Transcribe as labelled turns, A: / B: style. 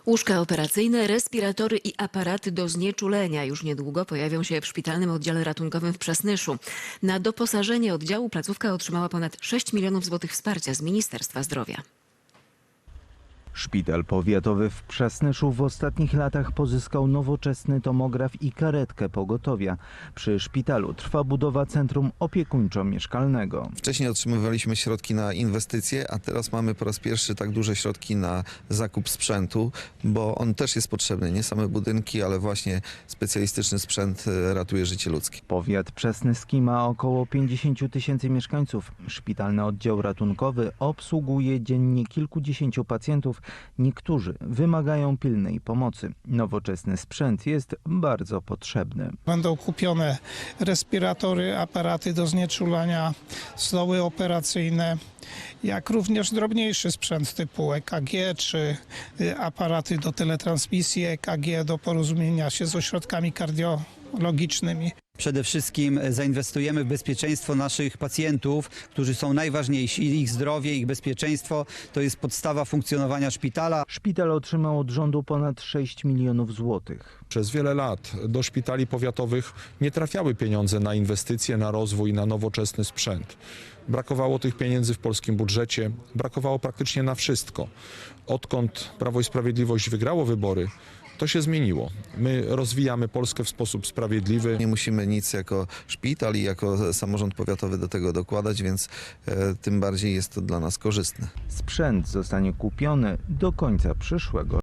A: Łóżka operacyjne, respiratory i aparaty do znieczulenia już niedługo pojawią się w szpitalnym oddziale ratunkowym w Przasnyszu. Na doposażenie oddziału placówka otrzymała ponad 6 milionów złotych wsparcia z Ministerstwa Zdrowia.
B: Szpital powiatowy w Przasnyszu w ostatnich latach pozyskał nowoczesny tomograf i karetkę pogotowia. Przy szpitalu trwa budowa centrum opiekuńczo-mieszkalnego.
C: Wcześniej otrzymywaliśmy środki na inwestycje, a teraz mamy po raz pierwszy tak duże środki na zakup sprzętu, bo on też jest potrzebny. Nie same budynki, ale właśnie specjalistyczny sprzęt ratuje życie ludzkie.
B: Powiat przasnyski ma około 50 000 mieszkańców. Szpitalny oddział ratunkowy obsługuje dziennie kilkudziesięciu pacjentów. Niektórzy wymagają pilnej pomocy. Nowoczesny sprzęt jest bardzo potrzebny.
D: Będą kupione respiratory, aparaty do znieczulania, stoły operacyjne, jak również drobniejszy sprzęt typu EKG czy aparaty do teletransmisji EKG, do porozumienia się z ośrodkami kardiologicznymi.
E: Przede wszystkim zainwestujemy w bezpieczeństwo naszych pacjentów, którzy są najważniejsi. Ich zdrowie, ich bezpieczeństwo to jest podstawa funkcjonowania szpitala.
B: Szpital otrzymał od rządu ponad 6 milionów złotych.
F: Przez wiele lat do szpitali powiatowych nie trafiały pieniądze na inwestycje, na rozwój, na nowoczesny sprzęt. Brakowało tych pieniędzy w polskim budżecie, brakowało praktycznie na wszystko. Odkąd Prawo i Sprawiedliwość wygrało wybory, to się zmieniło. My rozwijamy Polskę w sposób sprawiedliwy.
C: Nie musimy nic jako szpital i jako samorząd powiatowy do tego dokładać, więc tym bardziej jest to dla nas korzystne.
B: Sprzęt zostanie kupiony do końca przyszłego